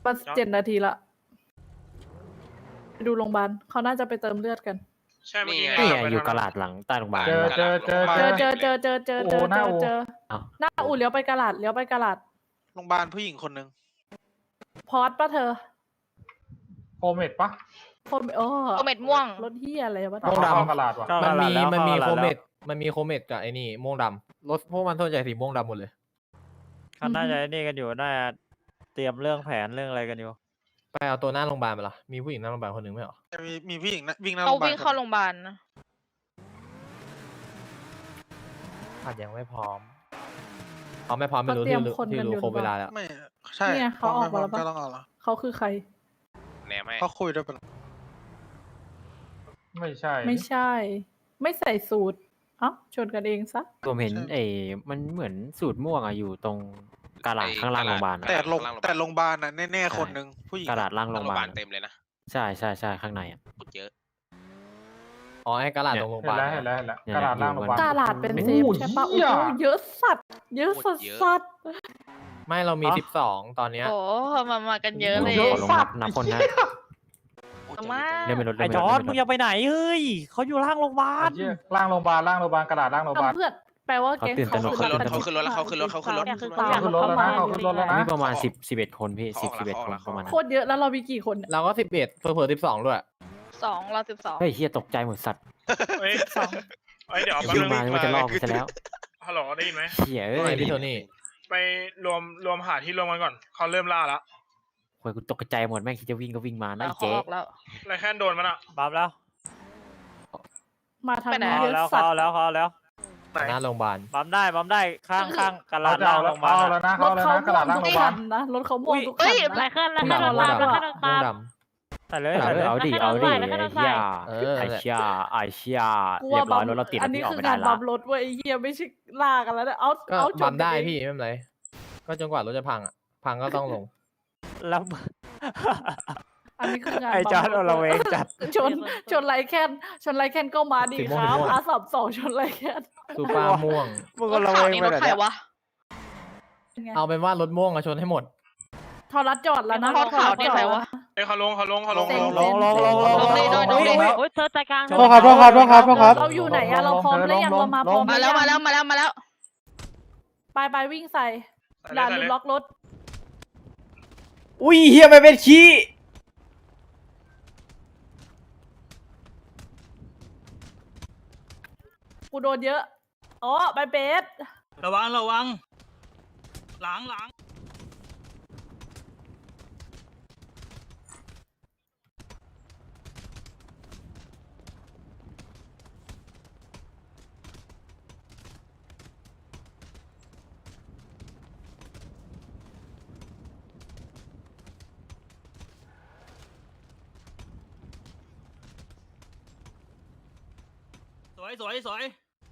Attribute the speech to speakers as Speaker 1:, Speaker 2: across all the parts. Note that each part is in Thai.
Speaker 1: มา7 นาทีละไปดูโรงพยาบาลเขาน่าจะไปเติมเลือดกัน
Speaker 2: ใช่เมื่อกี้
Speaker 3: นี่ไงอยู่กระดาษหลังใต้โรงพยาบาล
Speaker 1: เจอหน้าอู่เลี้ยวไปกระดาษ
Speaker 4: โรงพยาบาลผู้หญิงคนหนึ่ง
Speaker 1: พอดป่ะเธอ
Speaker 5: โคเมดปะ
Speaker 1: โคเมดม่วงรถเฮียอะไรวะ
Speaker 5: ม่วงดำกระดาษวะ
Speaker 6: มันมีโคเมดกับไอ้นี่ม่วงดำรถพวกมันส่วนใหญ่สีม่วงดำหมดเลย
Speaker 3: เขาน่าจะนี่กันอยู่น่าจะเตรียมเรื่องแผนเรื่องอะไรกันอยู่
Speaker 6: ไปเอาตัวหน้าโรงพยาบาลไปละมีผู้หญิงหน้าโรงพยาบาลคนหนึ่งไม่เหรอ
Speaker 4: มีผู้หญิงนะวิ่งหน้าโร
Speaker 7: เขา
Speaker 4: งพยาบาล
Speaker 7: วิ่งเข้าโรงพยาบาลนะ
Speaker 6: อาจยังไม่พร้อมเขาไม่พร้อมไม่รู้ที่รู้ครบเวลาแล้ว
Speaker 4: ไม่ใช่
Speaker 1: เนี่ยเขาออกมาแล้ว
Speaker 4: ก็
Speaker 1: ปะ
Speaker 4: ต้องเอาละ
Speaker 1: เขาคือใคร
Speaker 2: แหนมให้
Speaker 4: เขาคุยด้วยปะ
Speaker 5: ไม่ใช่
Speaker 1: ไม่ใช่ ไม่ใส่สูตรเอ้าชนกันเองซะ
Speaker 3: ผมเห็นมันเหมือนสูตรม่วงอะอยู่ตรงกระดาษข้างล่างโรงพยาบาลอะ
Speaker 4: แต่โรงพยาบาลน่ะแน่ๆคนหนึ่งผู้หญิง
Speaker 3: กระดาษล่างโรงพยาบาล
Speaker 2: เต็มเลยนะ
Speaker 3: ใช่ข้างในอะ
Speaker 2: พูดเยอะ
Speaker 6: อ๋อไอ้กระดาษตรงโรงพยา
Speaker 5: เห็น
Speaker 6: บาล
Speaker 5: แล้วกระดาษล่างโรงพยาบาล
Speaker 1: กาลาดเป็นเซฟใช่ปะ
Speaker 5: โอ้
Speaker 1: โอ้
Speaker 5: โห
Speaker 1: โหเยอะสัตว์เยอะสัตว์
Speaker 6: ไม่เรามี12ตอนเนี้ย
Speaker 7: โอ้มากันเยอะเลย
Speaker 3: ขอลงนับคนนะ
Speaker 7: มา
Speaker 3: เล่นไม่ลด
Speaker 8: ไอ้จอร์ดมึงอย่าไปไหนเฮ้ยเขาอยู่ล่างโรงพยาบาล
Speaker 5: ล่างโรงพยาบาลกระดาษล่างโรงพยาบาล
Speaker 1: เพื่อนแปลว่าแก๊ง
Speaker 2: เขาขึ้นรถเขาขึ้นรถแล้วเขาขึ้นรถเขาขึ้นรถ
Speaker 5: ขึ้นรถแล้วนะเขาขึ้นรถแล้วนะ
Speaker 3: มีประมาณ11 คนพี่11 คนประมาณนั้น
Speaker 1: โคตรเยอะแล้วเรามีกี่คนเนี่ย
Speaker 6: เราก็11เผลอๆ12ด้วย
Speaker 7: 2เรา12
Speaker 3: เฮ้ยเฮียตกใจหมดสัตว์
Speaker 2: เฮ้ยเดี๋ยว
Speaker 3: วิ่งมาว่าจะลอกกูซะแล้ว
Speaker 2: ฮัลโหลได้ยินไหม
Speaker 3: เฮียเอ้
Speaker 6: ไอ้
Speaker 3: ย
Speaker 6: พี่โทนี่
Speaker 2: ไปรวมหาที่รวมกันก่อนเขาเริ่มล่าแล้ว
Speaker 3: โอ้ยกูตกใจหมดแม่งคิดจะวิ่งก็วิ่งมานะ
Speaker 7: เขา
Speaker 3: เจ๊
Speaker 7: ออกแล้ว
Speaker 2: ไรแค่โดนมันอะ
Speaker 8: บับแล้ว
Speaker 1: มาทาง
Speaker 7: ไปไหน
Speaker 1: นี้
Speaker 8: เขา
Speaker 1: เย
Speaker 8: แล้ว
Speaker 1: อะสัต
Speaker 8: เขา
Speaker 1: ว์
Speaker 8: แล้วเขาแล้ว
Speaker 6: หน้าโรงพยาบาล
Speaker 8: บัมได้ข้างกระ
Speaker 5: เขา
Speaker 8: ดาษ
Speaker 5: จะ
Speaker 8: ล่าง
Speaker 5: เอา
Speaker 8: โรงพยาบาล
Speaker 5: แล้วนะ
Speaker 1: ร
Speaker 5: เขา
Speaker 1: ถ
Speaker 5: แล้ว
Speaker 1: เขา
Speaker 5: นะกระดาษล่าง
Speaker 1: ทุ
Speaker 5: โรง
Speaker 1: ก
Speaker 5: พยาบา
Speaker 1: คั
Speaker 5: ล
Speaker 1: นนะรถเขาม่วงทุกคั
Speaker 7: เอ้
Speaker 1: น
Speaker 7: ย
Speaker 1: นะ
Speaker 7: หลายขั้นแล้ว
Speaker 6: ม่วง
Speaker 7: ขั้น
Speaker 6: ดำ
Speaker 7: ตามแล้วขั้น
Speaker 6: ม่ว
Speaker 7: ตาง ม
Speaker 6: ด
Speaker 8: ใส่เลย
Speaker 3: เอา
Speaker 8: ใส่เลย
Speaker 3: ดิไอ้เชี่ย
Speaker 1: กู
Speaker 3: เรีย
Speaker 1: ว่า
Speaker 3: บร้อยรถเราติด
Speaker 1: อั
Speaker 3: แล้ว
Speaker 1: นนี้
Speaker 3: พี่ออก
Speaker 1: คือ
Speaker 3: ไม่
Speaker 1: กา
Speaker 3: ได้
Speaker 1: ร
Speaker 3: ละ
Speaker 1: บัมรถเว้ยไอ้เหี้ยไม่ใช่ลากกันแล้วนะเอา
Speaker 6: ก็
Speaker 1: เอาช
Speaker 6: บั
Speaker 1: น
Speaker 6: ม
Speaker 1: กัน
Speaker 6: ได้
Speaker 1: เอง
Speaker 6: พี่ไม่เป็นไรก็จนกว่ารถจะพังอ่ะพังก็ต้องลง
Speaker 8: แล้ว
Speaker 1: อันนี้คืองาน
Speaker 8: ไอ้จอร์ด
Speaker 1: บัม
Speaker 8: เราเองจัด
Speaker 1: ชนไรแคนก็มาดีครับR32ชนไรแคน
Speaker 6: ซูเปอร์ม่วง
Speaker 8: มึง
Speaker 7: ร
Speaker 8: ก็
Speaker 7: ถ
Speaker 8: เรา
Speaker 7: ขาว
Speaker 8: เอง
Speaker 7: นี่
Speaker 8: ไป
Speaker 7: รถ
Speaker 8: แบบ
Speaker 7: ใคร
Speaker 8: เนี้ยว
Speaker 7: ะ
Speaker 6: เอาเป็นว่ารถม่วงอะชนให้หมด
Speaker 1: ทอรัสจอดแล้วนะ
Speaker 7: รถขาวนี่ใครวะ
Speaker 2: เฮ้ยเขาลง
Speaker 8: ลง
Speaker 7: เลยโดน
Speaker 8: โอ้ย
Speaker 7: เธอใจกลาง
Speaker 5: โทษครับ
Speaker 1: เราอยู่ไหนอะเราพร้อมหรือยังเรามาพร้อม
Speaker 7: มาแล้วมาแล้ว
Speaker 1: ไปวิ่งใส่ด่าลืมล็อกรถ
Speaker 8: อุ้ยเฮียไม่เป็นขี้
Speaker 1: กูโดนเยอะอ๋อไปเบส
Speaker 8: ระวังหลัง สวย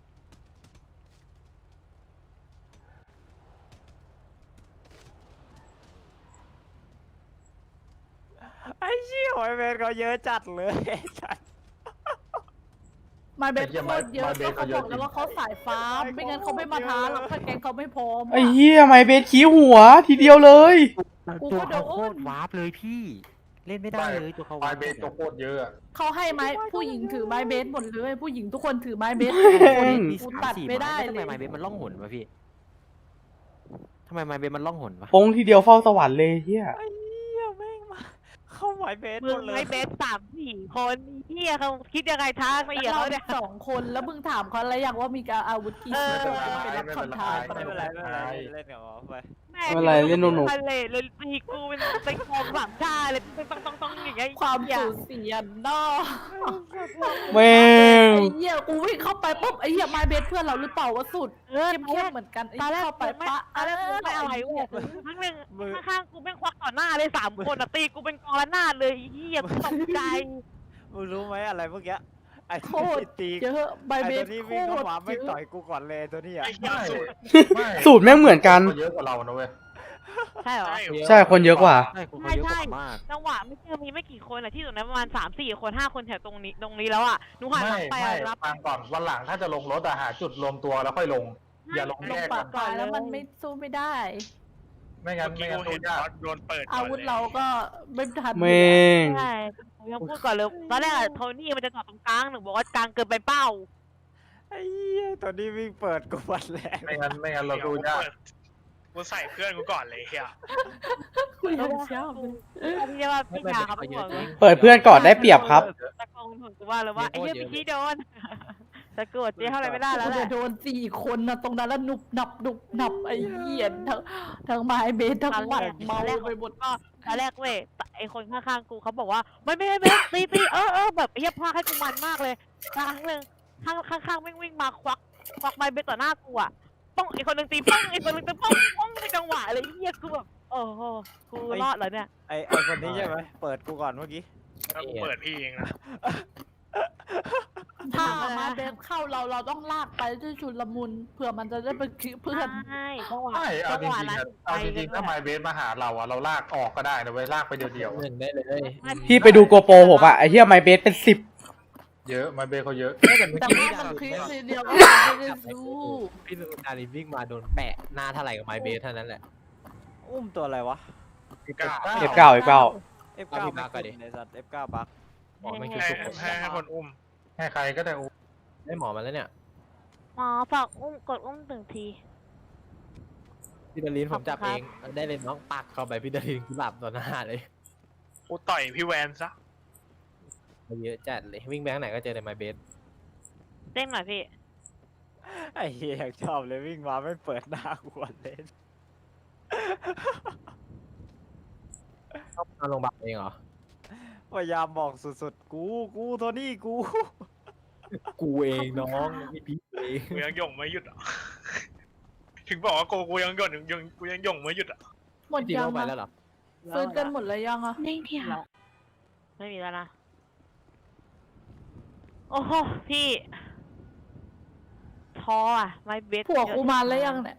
Speaker 8: ไอ้เชี่ยไอ้เวนเขาเยอะจัดเลยจัด
Speaker 1: มาเบสโคตรเยอะก็เขาบอกแล้วว่าเขาสายฟ้าไม่งั้นเขาไม่มาท้าหรอกถ้าแกงเขาไม่พร้อม
Speaker 9: ไอ้เหี้ยไม่เบสขี้หัวทีเดียวเลย
Speaker 3: ตัวเขาโคตรวาร์ปเลยพี่เล่นไม่ได้เลยตัวเขา
Speaker 5: ไฟเบสตัวโคตรเยอะ
Speaker 1: เขาให้ไม้ผู้หญิงถือไม้เบสหมดเลยผู้หญิงทุกคนถือไม้เบส
Speaker 3: มี
Speaker 1: กู
Speaker 3: 3-4
Speaker 1: ตัดไม่ได้
Speaker 3: ทำ
Speaker 1: เล
Speaker 3: ไม
Speaker 1: ย
Speaker 3: ไมเบสมันล่องหนวะพี่ทำไมไมเบสมันล่องหนวะ
Speaker 9: ปงทีเดียวเฝ้าสวรรค์เลยเหี้ย
Speaker 8: ไอ้เหี้ยแม่งมาเข้าหมายเบสห
Speaker 10: มึ
Speaker 8: ม
Speaker 10: ง
Speaker 8: ดเล
Speaker 10: ไม่
Speaker 8: ย
Speaker 10: เบส3-4 คนเฮียเขาคิดยังไงท้าไปอีก
Speaker 1: เรา
Speaker 10: เขาเนี่ย
Speaker 1: 2 คนแล้วมึงถามเขาแล้วยังว่ามีการอาวุธกี่ชิ้นเป็นรับคำทาย
Speaker 8: ไม่เป็นไรเล่นกับหมอไป
Speaker 10: แม่
Speaker 9: ไม่เป็นไรเล่นหนุก
Speaker 10: ทะเลเลยตีกูเป็นกอง3 ชาเลยต้องอย่างเงี้ย
Speaker 1: ความสูญเสียนอก
Speaker 9: แม่ง
Speaker 1: ไอ้เหี้ยกูวิ่งเข้าไปปุ๊บไอ้เหี้ยไม้เบสเพื่อนเราหรือเปล่าวะสุด เข้มเหมือนกันไอ้
Speaker 10: ตอนแรก
Speaker 1: เข้าไป
Speaker 10: ไม่
Speaker 1: ปะ
Speaker 10: ตอนแรกกูไม่อะไรเว้ยทั้งหนึ่งข้างๆกูแม่งควักต่อหน้าเลย3 คนอ่ะตีกูเป็นกองละหน้าเลยเฮียตกใจ
Speaker 8: มึงรู้ไหมอะไรเมื่อกี้ไอ้
Speaker 1: โค
Speaker 8: ที่
Speaker 1: ตร
Speaker 8: ตี
Speaker 1: เยอะไม้
Speaker 8: ไอ้
Speaker 1: เบ
Speaker 8: ตัว
Speaker 1: ส
Speaker 8: ที่
Speaker 1: โค
Speaker 8: วิ่งเข้า
Speaker 1: ตร
Speaker 8: มาไม่
Speaker 1: เย
Speaker 8: ต่อ
Speaker 1: อะ
Speaker 8: ยกูก่อนเลยตัวนี้อ่ะ
Speaker 9: สูตรแม่งเหมือนกัน
Speaker 5: เยอะกว่าเรานะเว้ย
Speaker 10: ใช่เหรอ
Speaker 9: ใช่คนเยอะกว่า
Speaker 3: ใช่คนเขาเยอะกว่ามาก
Speaker 10: จังหวะไม่ใช่มีไม่กี่คนอ่ะที่ตรงนั้นประมาณ3-4 คน5 คนแถวตรงนี้แล้วอ่ะหนูหันหลังไปรับ
Speaker 5: ฟังก่อนวันหลังถ้าจะลงรถหาจุดรวมตัวแล้วค่อยลง อย่าลง
Speaker 1: ล
Speaker 5: แย
Speaker 1: ง
Speaker 5: ก
Speaker 1: ปา
Speaker 5: กั
Speaker 1: ก
Speaker 5: น
Speaker 1: ปลายแล้วมันไม่สู้ไม่ได้
Speaker 5: ไม่งั้น
Speaker 2: เมื่อ
Speaker 5: ไม่
Speaker 2: กี้
Speaker 5: งั้น
Speaker 2: กูเห็น
Speaker 5: ยาก
Speaker 2: บอสโดนเปิดก่
Speaker 1: อาน
Speaker 2: ลย
Speaker 1: วุธเราก็ไม่ทัน
Speaker 9: แม่ง
Speaker 10: ใช่ผมยังพูดก่อนเลยตอนแรกอะโทนี่มันจะจอดตรงกลางหนูบอกว่ากลางเกินไปเป้า
Speaker 8: ไอ้เหี้ยตอนนี้วิ่งเปิดกูวันแรก
Speaker 5: ไม่งั้นเรา
Speaker 2: เดี๋ยว
Speaker 5: ดู
Speaker 2: กู
Speaker 5: ยาก
Speaker 2: เปิดกูใส่เพื่อนกูก่อนเลยเฮีย
Speaker 1: คุยกันเช้าเลย
Speaker 10: อันนี้เรียกว่าพี่ยาครับผม
Speaker 9: เปิดเพื่อนก่อนได้เปรียบครับ
Speaker 10: ตะโกนถึงกูว่าเลยว่าไอ้เหี้ยพี่ชี้โดนตะโกนเจ๊เท่าไรไม่ได้แล้วแห
Speaker 1: จะ
Speaker 10: ละ
Speaker 1: โดน4 คนนะตรงนั้นแล้วหนุบหนับไอ้เหี้ยทั้งไม้เบสทั้งหมัดเมาไปหมด
Speaker 10: ก็ตอนแรกเว้ยไอ้คนข้างๆกูเขาบอกว่าไม่ตีแบบไอ้เหี้ยพาให้กูมันมากเลยครั้งหนึ่งข้างวิ่งมาควักไม้เบสต่อหน้ากูอ่ะป้องไอ้คนหนึ่งตีป้องไอ้คนหนึ่งตีป้องในจังหวะอะไรเหี้ยกูแบบโอ้โหกูรอดเหรอเนี่ย
Speaker 8: ไอ้คนนี้ใช่ไหมเปิดกูก่อนเมื่อกี้
Speaker 2: ถ้ากูเปิดพี่เองนะ
Speaker 1: ถ้ามาเบสเข้าเราต้องลากไปด้วยชุลมุนเผื่อมันจะได้ไปคือเพื่อน
Speaker 10: ใช่จังหวะ
Speaker 5: ไม่เอาจ
Speaker 10: จังหวะ
Speaker 5: ริงๆ
Speaker 10: นั้น
Speaker 5: อะเอาจริงๆถ้าไมเบสมาหาเราอะเราลากออกก็ได้นะเว้ยลากไปเดียวๆ
Speaker 6: ห
Speaker 5: อะ
Speaker 6: นึ่งได้เลย
Speaker 9: พี่ไปดูโกโปรผมอะไอ้เหี้ยไมเบสเป็น10
Speaker 5: เยอะไมเบสเขาเยอะ
Speaker 6: ไม่แต่เมื่อ
Speaker 1: แต่
Speaker 6: กี้
Speaker 1: ว่า
Speaker 6: พี่
Speaker 1: มัน
Speaker 6: ดา
Speaker 1: คลิ
Speaker 6: ริ
Speaker 1: ปเดียวก็ไม่ได้รู้
Speaker 6: พี่ดาริวิ่งมาโดนแปะหน้าเท่าไหร่กับไมเบสเท่านั้นแหละ
Speaker 8: อุ้มตัวอะไรวะ
Speaker 9: F9
Speaker 8: F9
Speaker 6: เอาพี่บักก่อนดิ
Speaker 8: ในสัตว์ F9 บัก
Speaker 6: หมอไม่คิด
Speaker 2: ให้
Speaker 6: สุก
Speaker 2: ให้คนอุ้ม
Speaker 5: ให้ใครก็ได้อุ้ม
Speaker 6: ได้หมอมาแล้วเนี่ย
Speaker 10: หมอฝากกดอุ้ม1 ที
Speaker 6: พี่ดารินผมจับ
Speaker 10: ขอบ
Speaker 6: เอ
Speaker 10: คุณครับ
Speaker 6: งได้เลยน้องปักเข้าไปพี่ดารินหลับต่อหน้าเลย
Speaker 2: กูต่อยพี่แวนซะ
Speaker 6: เยอะจัดเลยวิ่งแบงค์ไหนก็เจอในไมเบส
Speaker 10: เด้งหน่อยพี่
Speaker 8: ไอ้เหี้ยอยากชอบเลยวิ่งมาไม่เปิดหน้ากูก่อนเลย
Speaker 6: ต้องมาโรงพยาบาลเองเหรอ
Speaker 8: พยายามบอกสุดๆ กูโทนี่กู
Speaker 6: กูเองน้องพี่พีเอง
Speaker 2: กูยังหย่งไม่หยุดอ่ะ ถึงบอกว่ากูยังหย่งกูยังหย่งไม่หยุดอ่ะ
Speaker 1: หมด
Speaker 6: จริง
Speaker 1: ยัง
Speaker 6: เข้าไป
Speaker 1: อะ
Speaker 6: แล้วเหรอ
Speaker 1: ฟื้นกันหมดเลยยังอะ
Speaker 10: เด้งที่ค่ะไม่มีแล้วนะ โอ้โหพี่ท้ออ่ะไม่เบส
Speaker 1: ผัวกูมาแล้วยังเนี่ย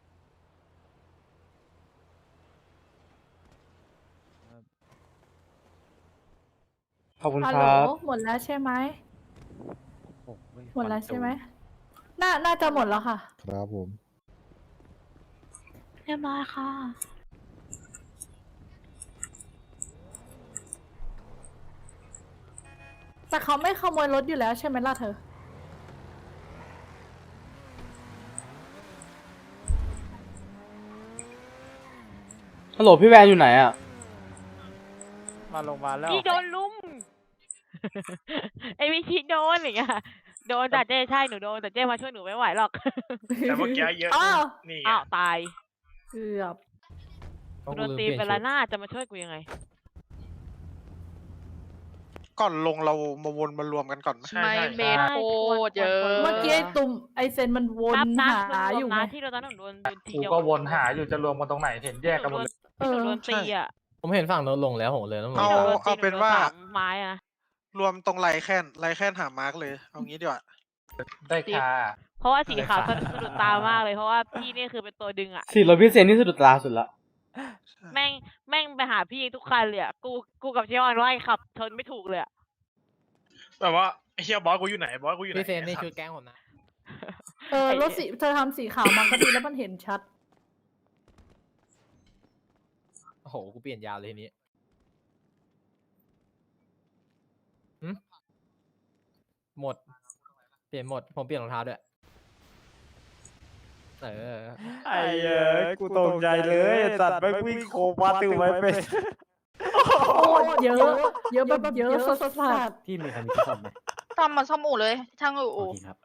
Speaker 9: ขอบคุณ
Speaker 1: ฮัล
Speaker 9: ค
Speaker 1: โหล
Speaker 9: รับ
Speaker 1: หมดแล้วใช่ไหมหมดแล้วใช่ไหมน่าจะหมดแล้วค่ะ
Speaker 11: ครับผม
Speaker 10: เรียบร้อยค่ะ
Speaker 1: แต่เขาไม่ขโมยรถอยู่แล้วใช่ไหมล่ะเธอ
Speaker 9: ฮัลโหลพี่แวนอยู่ไหนอะ
Speaker 8: มาลงมาลแล้ว
Speaker 10: พี่โดนลุม ไอ้วิชิโดนอย่างเงี้ยโดนแต่เจ้ใช่หนูโดนแต่เจ้มาช่วยหนูไม่ไหวหรอก
Speaker 2: แต่เมื่อกี้เยอะ
Speaker 1: อ้าว
Speaker 2: นี่ไง
Speaker 10: อ้าวตาย
Speaker 1: เกือบ
Speaker 6: ต้อง
Speaker 10: โดน
Speaker 6: ลืม
Speaker 10: ตี
Speaker 6: เปลี่ยน
Speaker 10: ไป
Speaker 6: ชุ
Speaker 10: ละ
Speaker 6: ด
Speaker 10: หน้าจะมาช่วยกูยังไง
Speaker 4: ก่อนลงเรามาวนมารวมกันก่อนไหม
Speaker 2: ใช่
Speaker 7: ไม่
Speaker 2: ใช่
Speaker 7: เบ
Speaker 2: ใช่
Speaker 7: สโคตรเยอะ
Speaker 1: เมื่อกี้ไอ้ตุ่มไอเซนมันวน
Speaker 10: นับนะ
Speaker 1: หาอยู่
Speaker 10: นะ
Speaker 1: ไง
Speaker 10: ที่เราตอนนั้นหนูโดนที
Speaker 5: กู
Speaker 10: เดียว
Speaker 5: ก็วนหาอยู่จะรวมกันตรงไหนเห็นแยกกันหมดเลย
Speaker 10: ที่หนูโดนตีอ่ะ
Speaker 6: ผมเห็นฝั่งโน้นลงแล้วผมเลยต้องลง
Speaker 4: เอา
Speaker 6: ตาม
Speaker 4: เอาเป็นว่า
Speaker 10: หนูโดน3ไม้อะ
Speaker 4: รวมตรงไรแค่นหามาร์กเลย เอางี้ดีกว่า
Speaker 5: ได้ค่า
Speaker 10: เพราะว่าสีขาวสะดุดตามากเลยเพราะว่าพี่นี่คือเป็นตัวดึงอ่ะ
Speaker 9: สีรถพี่เซนนี่สุดตาสุดละ
Speaker 10: แม่งไปหาพี่ทุกคันเลยอ่ะกูกับเชออนไล่ขับชนไม่ถูกเลยอ่ะ
Speaker 2: แต่ว่าไอ้เฮียบอสกูอยู่ไหนบอสกูอยู่ไหน
Speaker 6: พี่เซนนี่ชุดแก๊งผมนะ
Speaker 1: รถสีเธอทำสีขาวมันก็ดีแล้วมันเห็นชัด
Speaker 6: โอ้โหกูเปลี่ยนยาวเลยทีนี้หึหมด เปลี่ยนหมดผมเปลี่ยนรองเท้าด้วยไอ้
Speaker 8: เหี้ยกูตกใจเลยไอ้สัตว์ไม่งวิ่งโคมาติวไว้เป็น
Speaker 1: โอ้เยอะแบบเยอะสัส
Speaker 3: พี่มีใครมีที่ซ่อมไหม
Speaker 7: ซ่อมมาซ่อมอู่เลย ช่างอู่
Speaker 3: โอเคครับ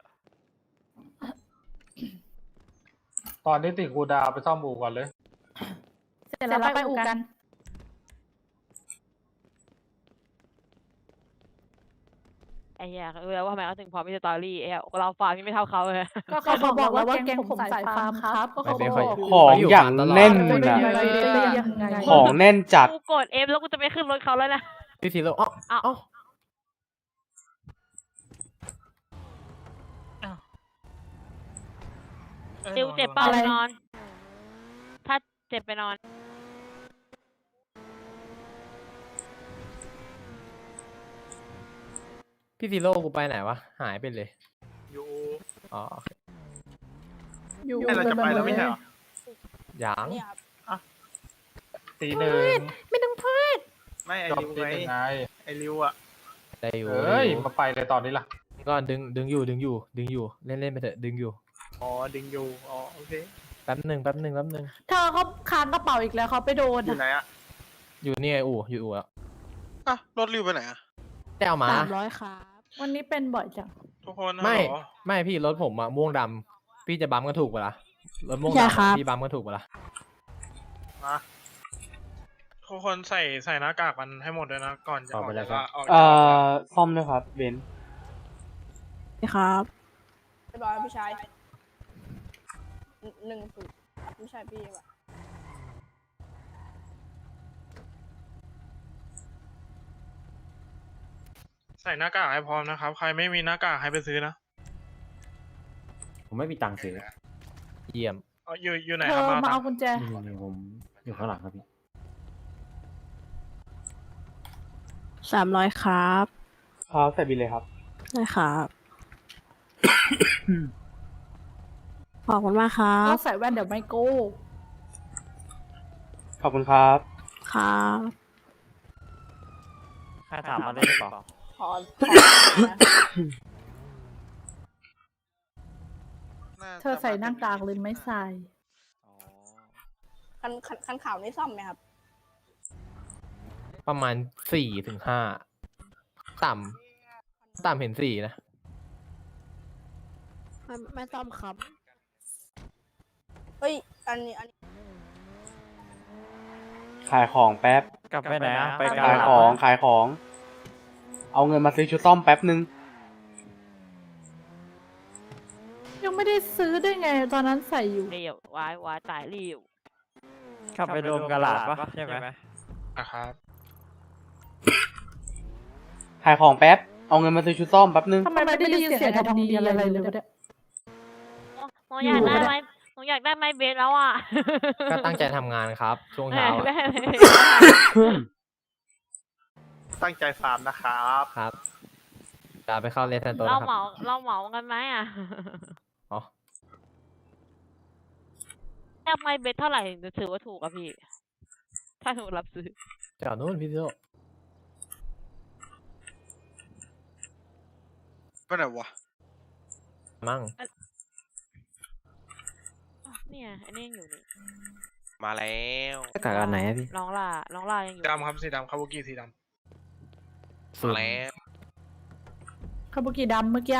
Speaker 5: ตอนนี้ติดกูดาวไปซ่อมบูก่อนเลย
Speaker 1: เสร็จแล้วไปอู่กัน
Speaker 10: ไอ้เหี้ยรู้แล้วว่าทำไมเขาถึงพร้อมมีสตอรี่ไอ้เหี้ยเราฟาร์มยังไม่เท่าเขาเลย
Speaker 1: ก็เขาบอกแล้วว่าแกงผมสายฟาร์มครับก็เขา
Speaker 6: ไม่
Speaker 1: บ
Speaker 6: ค่อย
Speaker 1: อก
Speaker 9: ของอย่างแน่น
Speaker 1: ไม่
Speaker 9: อะ
Speaker 1: ได้ยังไง
Speaker 9: ของแน่นจัด
Speaker 10: กูกดเอฟแล้วกูจะไปขึ้นรถเขาแล้วนะ
Speaker 6: พี่ทีโร่อ้าว
Speaker 10: ติวเจ็บเปล่าไปนอน ถ้าเจ็บไปนอน
Speaker 6: พี่ทีโร่กูไปไหนวะหายไปเลย
Speaker 2: อยู่
Speaker 6: อ๋อ
Speaker 1: อยู่
Speaker 2: เราจะไปแล้วไม่ใช่เหรอ
Speaker 6: ยัง
Speaker 5: ตีหนึ่ง
Speaker 1: ไม่ต้องพูด
Speaker 8: ไม่ไอ
Speaker 5: จบ
Speaker 8: ริว
Speaker 5: ตี
Speaker 8: ไง
Speaker 5: หนึ่งไง
Speaker 8: ไอริวอ่ะ
Speaker 6: ได้อยู่
Speaker 5: เอ้ยมาไปเลยตอนนี้ล่ะ
Speaker 6: ก็ดึงอยู่เล่นไปเถอะดึงอยู่
Speaker 8: อ๋อดึงอยู่อ๋อโอเค
Speaker 6: แป๊บหนึ่ง
Speaker 1: เธอเขาค้างกระเป๋าอีกแล้วเขาไปโดน
Speaker 8: อยู่ไหนอ่ะ
Speaker 6: อยู่นี่ไงอยู่อู่แล้ว
Speaker 4: อ่ะรถริวไปไหนอ่ะ
Speaker 6: ได้เอามา
Speaker 1: 300ครับวันนี้เป็นบ่อยจัง
Speaker 2: ทุกคน
Speaker 6: ไม่
Speaker 2: ฮัลโหล
Speaker 6: ไม่พี่รถผมอะม่วงดำพี่จะบัมก็ถูกปะล่ะรถม่วง
Speaker 1: ใช่
Speaker 6: ดำ
Speaker 1: ครั
Speaker 6: อะ
Speaker 1: บ
Speaker 6: พี่บัมก็ถูกปะล่ะ
Speaker 2: ทุกคนใส่หน้ากากกันให้หมดเลยนะก่อนจะออกจากออก
Speaker 9: ซ่อมด้วยครับเบนซ์
Speaker 1: ครับ
Speaker 11: เรียบร้อยพี่ชาย1-0พี่ชายพี่ว่ะ
Speaker 2: ใส่หน้ากากให้พร้อมนะครับ ใครไม่มีหน้ากากให้ไปซื้อนะ
Speaker 3: ผมไม่มีตังค์ซื้อ
Speaker 6: เยี่ยม
Speaker 2: อยู่ไหน
Speaker 1: เธ
Speaker 2: ครับ
Speaker 1: อมา
Speaker 2: มา
Speaker 1: เอากุญแจ
Speaker 3: นี่ผมอยู่ข้างหลังครับพี่
Speaker 1: 300ครับ
Speaker 9: ครับใส่บินเลยครับ
Speaker 1: ได้ครับขอบคุณมากครับต้องใส่แว่นเดี๋ยวไม่โก้
Speaker 9: ขอบคุณครับ
Speaker 1: ครับ
Speaker 8: ใครถามมาได้หรือเปล่า
Speaker 11: ขอนะ
Speaker 4: น่าจะ
Speaker 1: เธอใส่หน้ากากหรือไม่ใส่
Speaker 11: คันข่าวนี่ซ่อมไหมครับ
Speaker 6: ประมาณ4 ถึง 5ต่ำเห็น4นะ
Speaker 1: ไม่ต้อมครับ
Speaker 11: เฮ้ยอันนี้
Speaker 9: ขายของแป๊บ
Speaker 8: กลับไปไหนอ่ะ ไปกา
Speaker 9: ขาย
Speaker 8: ลาด
Speaker 9: ของขายของ เอาเงินมาซื้อชุดซ่อมแป๊บนึง
Speaker 1: ยังไม่ได้ซื้อได้ไงตอนนั้นใส่อยู่
Speaker 10: เรียววายตายเรียว
Speaker 8: ขับไปโดมกาลาดปะใช่ไหม
Speaker 2: นะครับ
Speaker 9: ขายของแป๊บ เอาเงินมาซื้อชุดซ่อมแป๊บนึง
Speaker 1: ทำไมไม่ได้ยินเสียงไอ้ทองดีอะไรเลยวะเนี่ย
Speaker 10: หนูอยากได้ไหมหนูอยากได้ไม้เบสแล้วอ่ะ
Speaker 6: ก็ตั้งใจทำงานครับ ช่วงเช้าอะ
Speaker 10: ได้
Speaker 8: ตั้งใจฟาร์มนะครับ
Speaker 6: ครับจะไปเข้าเลสเซนโต
Speaker 10: เรา
Speaker 6: นะค
Speaker 10: เห
Speaker 6: รั
Speaker 10: มา
Speaker 6: บ
Speaker 10: เราเหมากันไหมอ่ะ
Speaker 6: อ๋อ
Speaker 10: แลกไม้เบสเท่าไหร่ถึงจะถือว่าถูกอะพี่ ถ้าหนูรับซื้อ
Speaker 6: จอดนู้นพี่โซ
Speaker 4: ไปไหนวะ
Speaker 6: มั่ง
Speaker 10: เนี่ยอันนี้ยังอยู่นี่
Speaker 3: มาแล้วหน้ากากอันไหนอะพี่
Speaker 10: น้องล่ายังอยู่
Speaker 2: ดำครับสีดำคาบุกิสีด
Speaker 3: สุดแล้ว
Speaker 1: คาบุกิดำเมื่อกี้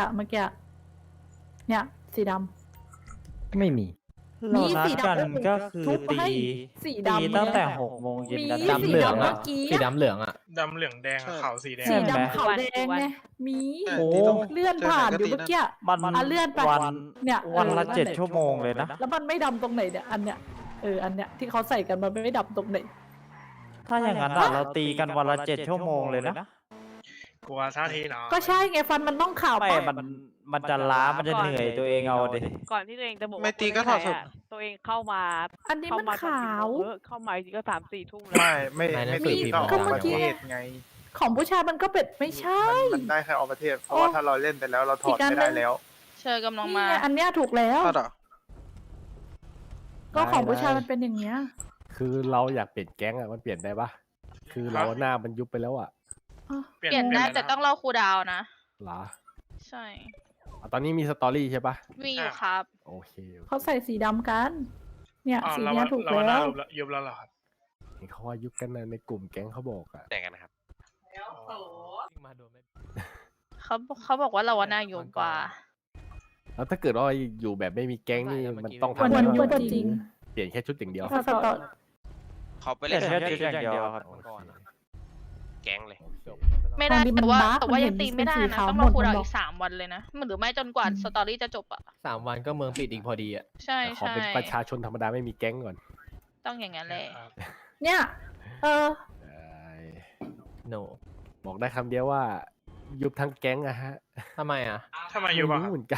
Speaker 1: เนี่ยสีด
Speaker 3: ไม่มี
Speaker 1: มีสีดำ
Speaker 8: กันก็คือ
Speaker 1: ทุบ
Speaker 8: ตี
Speaker 1: ให้สีดำ
Speaker 8: ตีตั้งแต่6 โมงเย็น
Speaker 1: มี
Speaker 8: กัน
Speaker 6: ดำเหลืองอะ
Speaker 1: เมื่อกี้
Speaker 6: สีดำเหลืองอะ
Speaker 2: ำดำเหลืองแดงอะขาวสีแดง
Speaker 1: สี
Speaker 8: ใช่ไหม
Speaker 1: ดำขาวแดงไงมี
Speaker 4: โอ้
Speaker 1: เลื่อนผ่านอยู่เมื่อกี้
Speaker 8: มัน
Speaker 1: อ่ะเลื่อนไป
Speaker 8: วัน
Speaker 1: เนี่ย
Speaker 8: วันละ
Speaker 1: นั่นแหละ
Speaker 8: 7 ชั่วโมงเลยนะ
Speaker 1: แล้วมันไม่ดำตรงไหนเนี่ยอันเนี้ยอันเนี้ยที่เขาใส่กันมันไม่ดำตรงไหน
Speaker 8: ถ้าอย่างนั้นอะเราตีกันวันละ 7 ชั่วโมงเลยนะ
Speaker 2: กลัวท่าทีหน่อย
Speaker 1: ก็ใช่ไงฟันมันต้องขาว
Speaker 8: ไม่
Speaker 1: ปะ
Speaker 8: มันจะล้า มันจะเหนื่อยตัวเองเอาดิ
Speaker 10: ก่อนที่ตัวเองจะบอก
Speaker 4: ไม่
Speaker 10: ว่า
Speaker 4: ตีก็ถอดสด
Speaker 10: ตัวเองเข้ามา
Speaker 1: อันนี้มันขาว
Speaker 10: เข้ามาจริงก็3-4 ทุ่มแล้ว
Speaker 6: ไม่
Speaker 8: ไม่
Speaker 6: ตี
Speaker 8: ตี
Speaker 6: ก็
Speaker 8: ก็
Speaker 6: อ
Speaker 8: อ
Speaker 6: อ
Speaker 8: อก ก
Speaker 6: ป
Speaker 8: ประ ระ
Speaker 6: เท
Speaker 8: เท
Speaker 6: ศ
Speaker 8: ศไง
Speaker 1: ของผู้ชายมันก็เป็นไม่ใช่
Speaker 8: มันได้แค่ออกประเทศ เพราะ
Speaker 1: โอ้
Speaker 8: ว่าถ้าเราเล่นไปแล้วเราถอดไม่ได้แล้ว
Speaker 7: เชิญกำลัง
Speaker 1: นี่
Speaker 7: มา
Speaker 1: ไงอันเนี้ยถูกแล้ว
Speaker 4: ก็เหรอ
Speaker 1: ก็ของผู้ชายมันเป็นอย่างเงี้ย
Speaker 12: คือเราอยากเปลี่ยนแก๊งอะมันเปลี่ยนได้ปะคือเราหน้ามันยุบไปแล้วอะ
Speaker 7: เปลี่ยนได้แต่ต้องรอครูดาวนะ
Speaker 12: หรอ
Speaker 7: ใช่
Speaker 12: อ่ะตอนนี้มีสตอรี่ใช่ปะ
Speaker 7: มีอยู่ครับ
Speaker 12: โอเค
Speaker 1: เขาใส่สีดำกัน เนี่ย
Speaker 2: อ๋อ
Speaker 1: สี
Speaker 2: เรา
Speaker 1: เนี้
Speaker 2: ว่าย
Speaker 1: ถูก
Speaker 2: เราว่าหน้า
Speaker 1: แล้ว
Speaker 2: ยุบแล้วเหรอครับ
Speaker 12: เห็นเขาว่ายุบกันนะในกลุ่มแก๊งเขาบอกอะ
Speaker 3: แต่งกันนะครับ
Speaker 6: มาโดนไม่
Speaker 7: เขาบอกว่าเราว่าน่ายุ่งกว่า
Speaker 12: แล้วถ้าเกิดว่าอยู่แบบไม่มีแก๊งนี่มันต้อง
Speaker 1: ควร
Speaker 12: ทำอะไร
Speaker 1: ยุบ
Speaker 12: บ้าง
Speaker 1: จริง
Speaker 12: เปลี่ยนแค่ชุดอย่างเดียว
Speaker 1: ถ้าสตอ
Speaker 3: เขาไป
Speaker 8: เล่
Speaker 3: เล่
Speaker 8: น
Speaker 3: น
Speaker 8: แค่จุดอย่างเดียวครับ
Speaker 3: แก๊งเลย
Speaker 7: ไม่ได้
Speaker 1: ตอนนี้มัน
Speaker 7: แต่ว่า
Speaker 1: บั๊ก
Speaker 7: แต่ว่า
Speaker 1: มันเห็
Speaker 7: ยั
Speaker 1: น
Speaker 7: งตีไม่ได้
Speaker 1: เป็นสี
Speaker 7: นะ
Speaker 1: ขาว
Speaker 7: ต้อง
Speaker 1: ห
Speaker 7: ร
Speaker 1: ม
Speaker 7: อ
Speaker 1: ด
Speaker 7: ครูดาว
Speaker 1: มันบอก
Speaker 7: อีก3 วันเลยนะหรือไม่จนกว่าสตอรี่จะจบอ่ะ
Speaker 6: 3 วันก็เมืองปิดอีกพอดีอะ
Speaker 7: ใช่
Speaker 12: แต่ขอ
Speaker 7: ใช่
Speaker 12: เป็นประชาชนธรรมดาไม่มีแก๊งก่อน
Speaker 7: ต้องอย่างนั้นแหละ
Speaker 1: เนี่ย
Speaker 12: ได้
Speaker 6: โน
Speaker 12: บอกได้คำเดียวว่า ยุบทั้งแก๊งอะฮะ
Speaker 6: ทำไมอะ
Speaker 2: ทำไมยุบอะครับ
Speaker 12: รู้เหมือนกัน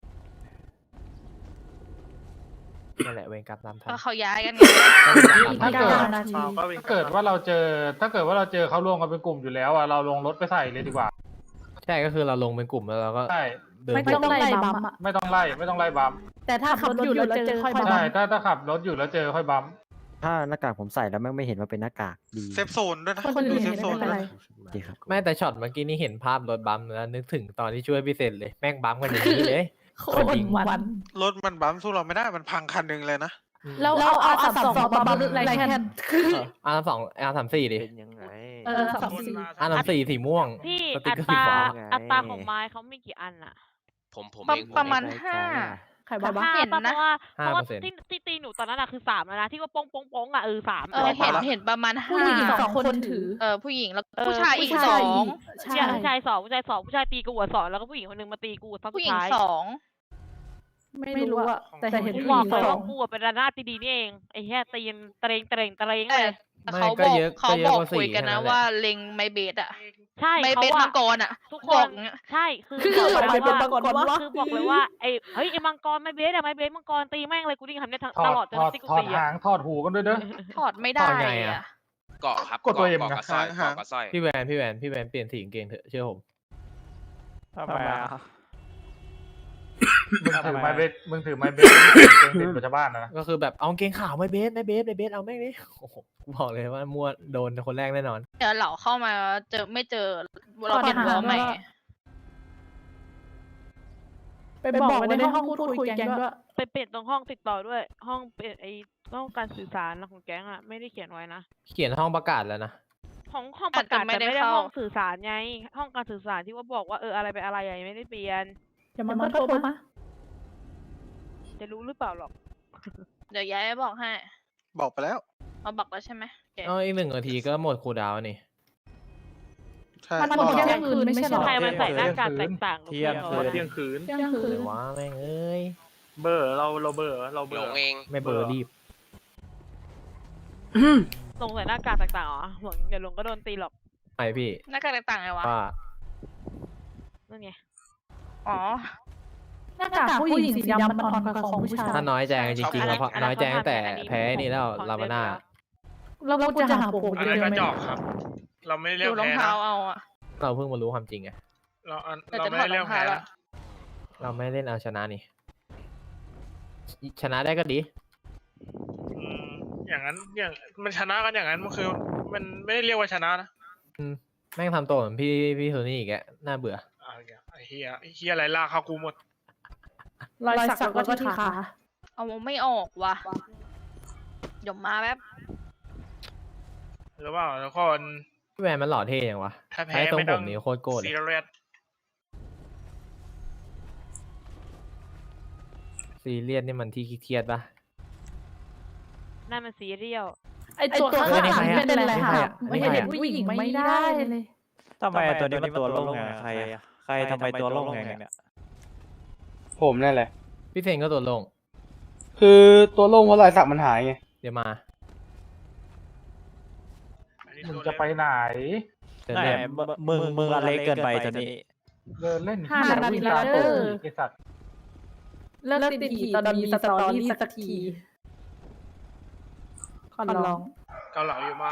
Speaker 6: นั่นแหละเวรกรรมตามทัน
Speaker 7: ก็เขาย้ายกันไง
Speaker 1: ไม่ได้
Speaker 5: ถ้าเกิด
Speaker 1: นาที
Speaker 5: ถ้าเกิดว่าเราเจอเขารวมกันเป็นกลุ่มอยู่แล้วอะเราลงรถไปใส่เลยดีกว่า
Speaker 6: ใช่ก็คือเราลงเป็นกลุ่มแล้วเราก็
Speaker 5: ใช่
Speaker 6: เดิน
Speaker 1: ไม่
Speaker 6: ไป
Speaker 1: ต้องไล่บัมป์อะ
Speaker 5: ไม่ต้องไล่บัมป์
Speaker 1: แต่ถ้าขับรถอยู่แล้วเจอค่อยบัม
Speaker 5: ใช่
Speaker 1: ป์
Speaker 5: ถ้าขับรถอยู่แล้วเจอค่อยบัมป์
Speaker 3: ถ้าหน้ากากผมใส่แล้วแม่งไม่เห็นว่าเป็นหน้ากากดี
Speaker 4: เซฟโซนด้วยนะ
Speaker 1: คน
Speaker 4: ดู
Speaker 1: อื่น
Speaker 4: เซ
Speaker 1: เห็
Speaker 4: ฟ
Speaker 1: น
Speaker 4: โซน
Speaker 1: ไม่
Speaker 4: ด้
Speaker 1: เป็
Speaker 4: วน ย
Speaker 1: ไร
Speaker 4: นะ
Speaker 3: ดีครับ
Speaker 6: ไม่แต่ช็อตเมื่อกี้นี่เห็นภาพรถบัมป์แล้วนึกถึงตอนที่ช่วยพี่เซนเลยแม่งบัมป์กันอย่างนี้เลย
Speaker 1: โคตรมัน
Speaker 4: รถมันบัมป์สู้เราไม่ได้มันพังคันหนึ่งเลยนะ
Speaker 1: แล้วเอาR32มาบัมไรแคน
Speaker 6: R34ดิ
Speaker 12: เป็นยังไง
Speaker 1: R34
Speaker 6: R34สีม่วง
Speaker 10: พี่
Speaker 6: สติ๊
Speaker 10: อั
Speaker 6: กเกอร์
Speaker 10: ต
Speaker 6: สี
Speaker 10: รา
Speaker 6: ฟ้า
Speaker 10: อัตราของไม้เขามีกี่อันอะ
Speaker 7: ประมาณ
Speaker 1: ใครบอกว่า
Speaker 7: เห็นนะ
Speaker 10: เพราะว่าที่ตีหนูตอนนั้นอะคือ3แล้วนะที่ว่าโป้งโป้งโป้งอะ3
Speaker 7: เห็นประมาณ
Speaker 1: ผู้หญิง
Speaker 7: 5
Speaker 1: 2 คนถือ
Speaker 7: ผู้หญิงแล้วผู้ชายอีก
Speaker 1: ผู้
Speaker 7: ส
Speaker 1: ชาย
Speaker 7: อง
Speaker 1: ใช่
Speaker 10: ผู้ชาย2ผู้ชายตีกูหัว2แล้วก็ผู้หญิงคนนึงมาตีกูตอน
Speaker 7: ผู้
Speaker 10: สุ
Speaker 7: หญิ
Speaker 10: ด
Speaker 7: ง
Speaker 10: ท้าย
Speaker 7: สอง
Speaker 1: ไม่รู้อะแต่เห็น
Speaker 10: กู
Speaker 1: ผู้
Speaker 10: บ
Speaker 1: ห
Speaker 10: อ
Speaker 1: ญิ
Speaker 10: ก
Speaker 1: ง
Speaker 10: เลย
Speaker 1: สอ
Speaker 10: ว่าง กูอะเป็นระนาดดีๆนี่เองไอ้แค่ตีนเตรงเลย
Speaker 7: แต่เขาบอกคุยกันนะว่าเล็งไมเบสอะ
Speaker 10: ใช่
Speaker 7: ไม
Speaker 10: เขา
Speaker 7: เบส
Speaker 10: อะ
Speaker 7: มังกรอะ
Speaker 10: ทุกค
Speaker 7: บอก
Speaker 10: น
Speaker 7: เงี้ย
Speaker 10: ใช่คือ
Speaker 1: คือ
Speaker 10: บอก
Speaker 1: อะไร
Speaker 10: เลย
Speaker 1: เป็น
Speaker 10: ว่า
Speaker 1: มังกรวะ
Speaker 10: คือบอกเลยว่าไอ้มังกรไม่เบสอะไม่เบสมังกรตีแม่งเลยกูดิ้งทำได้ทั้ง
Speaker 5: ถอ
Speaker 10: ต
Speaker 5: ด
Speaker 10: ลอดจน
Speaker 5: ถอด
Speaker 10: ที่กู
Speaker 5: ถอด
Speaker 10: ตี
Speaker 5: หา
Speaker 10: อะ
Speaker 5: งถอดหูกันด้วยเด้อ
Speaker 7: ถอดไม่ได้
Speaker 6: ถอดไงอะ
Speaker 7: อะ
Speaker 2: เกาะครับ
Speaker 5: กดตัวเอ็ม
Speaker 2: เกาะ
Speaker 5: นะ
Speaker 2: กับสร้อยเกาะกับสร้อย
Speaker 6: พี่แวนเปลี่ยนสีกางเกงเถอะเชื่อผม
Speaker 8: ทำไมอ่ะ
Speaker 5: มึงถือไม้เบสมึงถือไม้เบสเก่งติดกับชาวบ้านนะ
Speaker 6: ก็คือแบบเอากางเกงขาวไม่เบสเอาแม่งดิโอ้โหกูบอกเลยว่ามั่วโดนคนแรกแน่นอน
Speaker 7: เดี๋ยวเหล่าเข้ามาไม่เจอเราเปลี่ยนวอลใหม่
Speaker 1: ไปบอกไว้ในห้องพูดคุยแกงด้วย
Speaker 10: ไปเปลี่ยนตรงห้องติดต่อด้วย ห้องเปลี่ยนไอ้ห้องการสื่อสารของแก๊งอะไม่ได้เขียนไว้นะ
Speaker 6: เขียนห้องประกาศแล้วนะ
Speaker 10: ห้องประกาศแต่ไม่ได้ห้องสื่อสารไงห้องการสื่อสารที่ว่าบอกว่าอะไรไปอะไรยังไม่ได้เปลี่ยน
Speaker 1: อย่ามันก็โทรมา
Speaker 10: จะรู้หรือเปล่าหรอก
Speaker 7: เดี๋ยวย้ายบอกให้
Speaker 4: บอกไปแล้ว
Speaker 7: เอาบอกแล้วใช่ไหมโอเค
Speaker 6: อีก1 นาทีก็หมดคูลดาวน์นี่
Speaker 4: ใช่
Speaker 1: มันหมดเที่ยงคืนไม่ใช่หรอ
Speaker 10: ใครมันใส่หน้ากากแตกต่างหรือ
Speaker 8: เที่ยง
Speaker 10: เปล่า
Speaker 8: คืน
Speaker 5: เที่ยงคืน
Speaker 1: เที่ยงคืน
Speaker 6: ว้าแม่งเอ้ย
Speaker 5: เบอร์เราเบอร์
Speaker 2: หลงเอง
Speaker 6: ไม่เบอร์รีบ
Speaker 10: ลงใส่หน้ากากแตกต่างเหรอหวังเดี๋ยวลงก็โดนตีหรอก
Speaker 6: ไอพี่
Speaker 7: หน้ากากต่างๆไงวะ
Speaker 6: ว่า
Speaker 10: นั่นไง
Speaker 7: อ๋อ
Speaker 1: หน้ากากผู้หญิงสีดำมันอ่อนกว่าของผู้ชาย
Speaker 6: ถ้าน้อยใจจริงๆแล้วเพราะน้อยใจตั้งแต่แพ้นี่แล้วลาบาน่า
Speaker 1: แล้วกูจะหาผม
Speaker 2: อัน
Speaker 1: เจ
Speaker 2: นั้น
Speaker 1: อ
Speaker 2: ก็
Speaker 1: ไหม
Speaker 2: จอกครับ เราไม่ได้เรีย
Speaker 7: ดู
Speaker 2: ก
Speaker 7: รอง
Speaker 2: แพ้
Speaker 7: เท้า
Speaker 2: นะ
Speaker 7: เอาอะ
Speaker 6: เราเพิ่งมารู้ความจริงไง
Speaker 7: แต่
Speaker 2: เรา
Speaker 7: จะ
Speaker 2: ไม่
Speaker 7: ถอ
Speaker 2: ได้
Speaker 7: ดร
Speaker 2: เรีย
Speaker 7: อก ง
Speaker 2: แพ้
Speaker 7: เท้า
Speaker 2: นะ
Speaker 7: ละ
Speaker 6: เราไม่เล่นเอาชนะนี่ ชนะได้ก็ดี
Speaker 2: อย่างนั้นมันชนะกันอย่างนั้นมันคือ มันไม่ได้เรียกว่าชนะนะ
Speaker 6: แม่งทำตัวเหมือนพี่โทนี่อีกแกน่าเบื่อ
Speaker 2: ไอ้เฮียอะไรลากเข้ากูหมด
Speaker 1: รอยสักแล้วก็ที่ขา
Speaker 7: เอาไม่ออกว่ะเดี๋ยวมาแป๊บ
Speaker 2: หรือเปล่าทุกคน
Speaker 6: พี่แวนมันหล่อเท่ยังวะ
Speaker 2: ถ้าแพ้
Speaker 6: ใช้ทรง
Speaker 2: ไม่
Speaker 6: ผ
Speaker 2: ต้อ
Speaker 6: ม
Speaker 2: ง
Speaker 6: นี่โคตรโกรธ
Speaker 2: ซี
Speaker 6: เลย
Speaker 2: เรียส
Speaker 6: ซีเรียสนี่มันที่เครียดปะ
Speaker 10: นั่นมันซีเรียล
Speaker 1: ไอตัวข้างหลังเป็นอะไรค่ะ
Speaker 6: ไม่
Speaker 1: ไม่
Speaker 6: ใช่
Speaker 1: เห็น
Speaker 6: อะ
Speaker 1: ผู้หญิงไม่ได้เลย
Speaker 8: ทำไมตัวนี้มันตัวโล่งไงใครอะใครทำไมตัวโล่งไงเนี่ย
Speaker 9: ผมนั่นแหละ
Speaker 6: พี่เซนก็ตัวลง
Speaker 9: คือตัวโล่งเพราะรอยสักมันหายไง
Speaker 6: เดี๋ยวมา
Speaker 5: มึงจะไปไหน
Speaker 6: เดิน
Speaker 8: ไหน
Speaker 6: เล่น
Speaker 8: มึงอะไรเกินไปตัวนี้
Speaker 5: เดินเล่น
Speaker 1: 5 นาทีแล้วเด้อ
Speaker 5: ไอ้สัตว์
Speaker 1: เลิกติดทีตอนมีสตอรี่สักทีขอร้อง
Speaker 2: เกาเหลาอยู่ไหม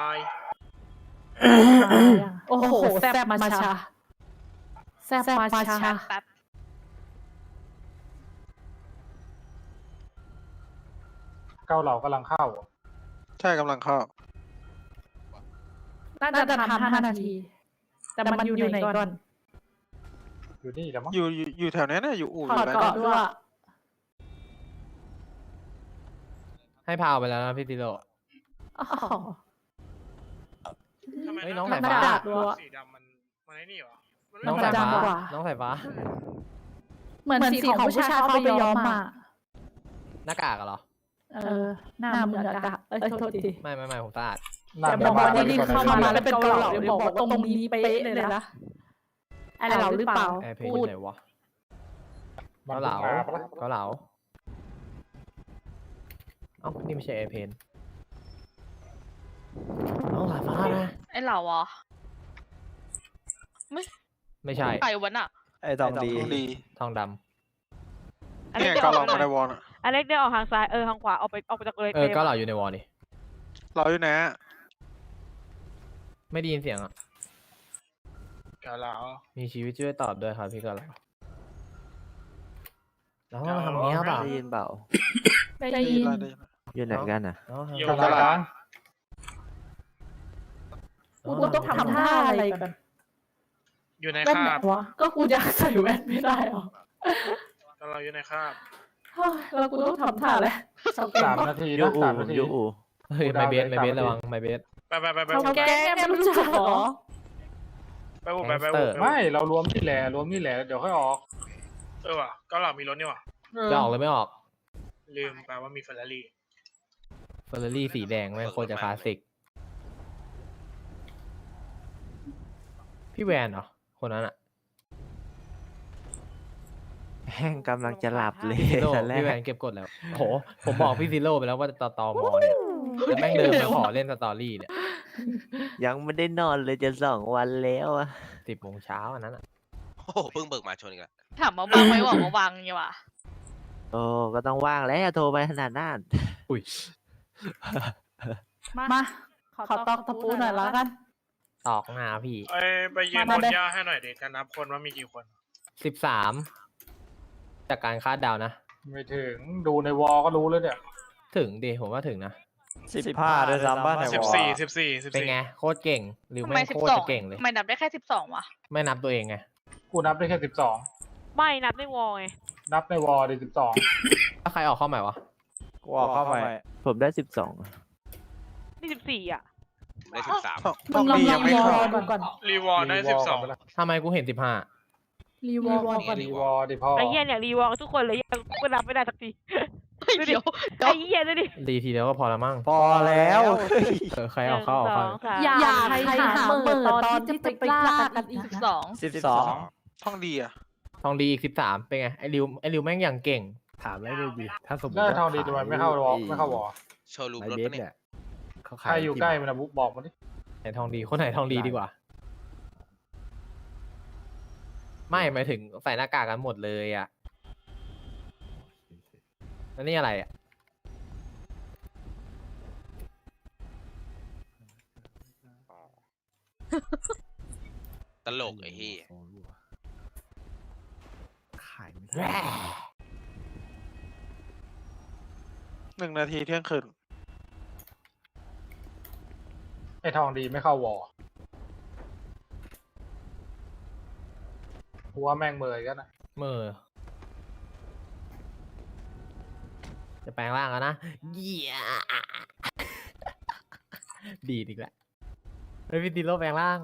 Speaker 1: โอ้โหแซบมาชาแซบมาชา
Speaker 7: แป๊บ
Speaker 5: เกาเหลากำลังเข้า
Speaker 4: ใช่กำลังเข้า
Speaker 1: น่าจะทำ5 นาที แต่มันอยู่ไหนก่อน
Speaker 5: อยู่นี่แล้วมั้ง
Speaker 4: อยู่แถวนี้นะอยู่อู่
Speaker 1: ถอด
Speaker 4: อยู่
Speaker 1: เกาะด้วย
Speaker 6: ให้พาวไปแล้วนะพี่ติโร่
Speaker 1: อ๋อ
Speaker 2: ทำไม
Speaker 6: เฮ้ยน้อง
Speaker 2: ห
Speaker 6: สายฟ้า
Speaker 2: สีดำมันไอ้นี่เหรอมัน
Speaker 6: น้อง
Speaker 2: ไม่
Speaker 6: สาย
Speaker 1: จำ
Speaker 6: ฟ้า
Speaker 1: กว่า
Speaker 6: น้องสายฟ้า
Speaker 1: เหมือนสีของผู้ชายเขาไปย้อมมา
Speaker 6: หน้ากากอะเหรอ
Speaker 1: หน้ามืออากาศโทษที
Speaker 6: ไม่ผมสะอาด
Speaker 1: แต่บอกว่าที่เข้ามาแล้วเป็นเกาเหลาเดี๋ยวบอกว่าตรงนี้เป๊ะเลยนะไอเราหรือเปล่า
Speaker 6: แอร์เพน
Speaker 1: พูด
Speaker 6: ไหนวะ
Speaker 5: มัน
Speaker 6: เกาเหลา
Speaker 5: พิ่งมปะล่ะ
Speaker 6: เกาเหลาเอ้านี่ไม่ใช่แอร์เพนน้องสายฟ้านะ
Speaker 7: ไอเหล่าอ่ะ
Speaker 6: ไม่ใช่
Speaker 7: ใครวันอ่ะ
Speaker 8: ไอ้ตองดี
Speaker 4: ดี
Speaker 6: ทองด
Speaker 4: เนี่ยเกาเหลามาในวอลน่ะ
Speaker 10: อเล็กเดินออกทางซ้ายทางขวาออกไปจากเลย
Speaker 6: ำเกาเหลาอยู่ในวอลนี่
Speaker 4: เราอยู่ไหนอะ
Speaker 6: ไม่ได้ยินเสียงอ่ะ
Speaker 2: เกาเหลา
Speaker 6: มีชีวิตช่วยตอบด้วยครับพี่เกาเหลาแล้วมาทำเนี้ยเปล่า
Speaker 12: ได้ยินเปล่า
Speaker 1: ได้ยิน
Speaker 4: ได้ยิน
Speaker 3: อยู่ไหนกันอ่ะ
Speaker 2: อยู่
Speaker 5: กับตาราง
Speaker 1: กูต้องทำท่าอะไรกัน
Speaker 2: อยู่ใน
Speaker 1: แว่น
Speaker 2: คา
Speaker 1: ไหน
Speaker 2: บ
Speaker 1: วะก็กูอยากใส่แว่นไม่ได้หรอ
Speaker 2: เราอยู่ในคาบ
Speaker 1: เฮ้ยแล้วกูต้องทำท่าอะไรชาวแก๊ง
Speaker 5: 3
Speaker 1: ปะ
Speaker 5: นาทีนะ3 นาที
Speaker 6: เฮ้ยไม่เบสไม่เบสระวังไม่เบส
Speaker 2: ไป
Speaker 1: ชาวแก๊งเนี่ยไม่รู้จักเหรอ
Speaker 2: ไปอู่
Speaker 5: ไม่เรารวมนี่แหละเดี๋ยวค่อยออก
Speaker 2: ว่ะก็หลับมีรถนี่ว่ะ
Speaker 6: จะออกเลยไม่ออก
Speaker 2: ลืมไปว่ามีเฟอร์รารี่
Speaker 6: เฟอร์รารี่สีแดงไม่งโคตรจะคลาสสิกพี่แวนเหรอคนนั้นอะ
Speaker 3: แห้งกำลังจะหลับเลย
Speaker 6: พี่ซิโร่
Speaker 3: ตอนแร
Speaker 6: พี่แว
Speaker 3: ก
Speaker 6: นเก็บกดแล้วโหผมบอกพี่ซิโร่ไปแล้วว่าจะต่อมอเนี่ยแต่แม่งเดินมาขอเล่นสตอรี่เนี่ย
Speaker 3: ยังไม่ได้นอนเลยจะ2 วันแล้วอ่ะ
Speaker 6: 10 โมงเช้าอันนั้นอะ
Speaker 13: โอ้โหเพิ่งเบิกมาชนอีกแล้ว
Speaker 7: ถามมาบังไหมบอกมาบังเนี่ยว่ะ
Speaker 3: โอ้ก็ต้องว่างแล้วโทรไปขนาดนั้น
Speaker 6: อุ้ย
Speaker 1: มาขอตอกตะปูหน่อยแล้วกัน
Speaker 6: ตอกหน้าพี่
Speaker 2: ไปยืนบนหญ้าให้หน่อยดิการนับคนว่ามีกี่คน
Speaker 6: 13จากการคาดเดานะ
Speaker 5: ไม่ถึงดูในวอลก็รู้แล้วเนี่ย
Speaker 6: ถึงดิผมว่าถึงนะ
Speaker 8: 15ด้วยซ้ำบ้านไหน
Speaker 2: สิบ
Speaker 8: วะ
Speaker 2: สี่
Speaker 6: เป็นไงโคตรเก่งหรือ
Speaker 7: ทำไม
Speaker 6: ไม่
Speaker 7: สิ
Speaker 6: โค
Speaker 7: บ
Speaker 6: ตร
Speaker 7: สอ
Speaker 6: จะ
Speaker 7: ง
Speaker 6: เก่งเลย
Speaker 7: ทำไมนับได้แค่12วะ
Speaker 6: ไม่นับตัวเองไง
Speaker 5: กูนับได้แค่12
Speaker 10: ไม่นับในวอลไง
Speaker 5: นับในวอลดิ12
Speaker 6: ถ้าใครออกเข้าใหม่วะ
Speaker 8: กูออกเข้าไป
Speaker 3: ผมได้
Speaker 10: นี่14อ่ะ
Speaker 13: ได้13
Speaker 11: มึงลอง
Speaker 4: ยังไม่
Speaker 11: รอ
Speaker 4: เข้า
Speaker 11: ดูก่อน
Speaker 2: รีวอร์ได้
Speaker 6: ทำไมกูเห็น
Speaker 1: รีวอลก่อน
Speaker 5: รีวอลดิพ่อ
Speaker 10: ไอ้เหี้ยเนี่ยรีวอลทุกคนเลยยังกูนับไม่ได้สักที
Speaker 7: เดี๋ยว
Speaker 10: ไอ้เหี้ยดูดิ
Speaker 6: 15รีทีเดียวก็พอละมั้ง
Speaker 8: พอแล้ว
Speaker 6: ใครออกเข้าออกเข้า
Speaker 10: 1 2 3
Speaker 1: อย่าใครหาเปิดตอนที่จะไปล่ากันอีกนะ
Speaker 7: 12
Speaker 4: ท่องดีอ่ะ
Speaker 6: ทองดีอีก13เป็นไงไอริวแม่งอย่างเก่ง
Speaker 12: ถามได้เลยดิถ้าสมมติ
Speaker 5: ได้
Speaker 12: ว่า
Speaker 5: ทองดีทำไมไม่เข้าวอลไม่เข้าวอล
Speaker 13: โชว์รูม
Speaker 12: ไอ
Speaker 13: รถ
Speaker 12: เบส
Speaker 13: ปะเนี่
Speaker 12: เนี่ย ยเขา
Speaker 5: ใค
Speaker 12: ขาร ย
Speaker 5: อยู่ใกล้มันนะบุ๊กบอกมาดิ
Speaker 6: ไหนทองดีคนไหนทองดีดีกว่า ไม่หมายถึงใส่หน้ากากกันหมดเลยอ่ะแล้วนี่อะไรอ่ะ
Speaker 13: ตลกไอ้เหี้ย
Speaker 12: ขายไม่ได้
Speaker 4: 1 นาทีเที่ยงคืน
Speaker 5: ไอ้ทองดีไม่เข้าวอลหัวแม่งเมยกันนะ
Speaker 6: เมื่อจะแปลงร่างแล้วนะเยี่ยดีดอีกแล้วเฮ้ยพี่ติโร่แปลงร่าง